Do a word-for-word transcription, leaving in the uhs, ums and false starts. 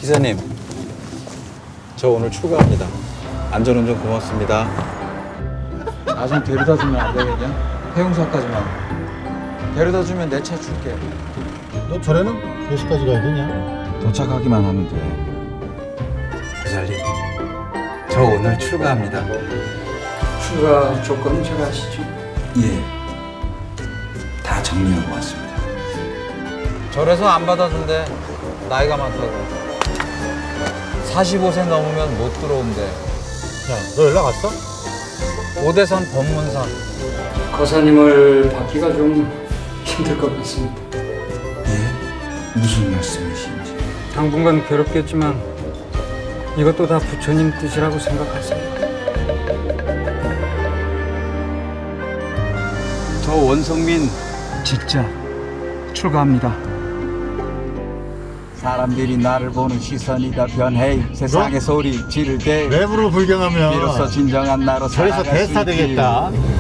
기사님, 저 오늘 출가합니다. 안전운전 고맙습니다. 나 좀 데려다 주면 안 되겠냐? 해용사까지만. 데려다 주면 내 차 줄게. 너 절에는 몇 시까지 가야 되냐? 도착하기만 하면 돼. 기사님, 저 오늘 출가합니다. 추가 조건은 잘 아시죠? 예. 다 정리하고 왔습니다. 절에서 안 받아준대. 나이가 많다고. 사십오 세 넘으면 못 들어온대. 야, 너 연락 왔어? 오대산 법문상. 거사님을 받기가 좀 힘들 것 같습니다. 예? 무슨 말씀이신지. 당분간 괴롭겠지만 이것도 다 부처님 뜻이라고 생각하세요. 저 원성민 진짜 출가합니다. 사람들이 나를 보는 시선이 다 변해. 세상의 소리 지를 때 랩으로 불경하면 비로소 진정한 나로 절에서 살아갈 수 대스타 있지. 되겠다.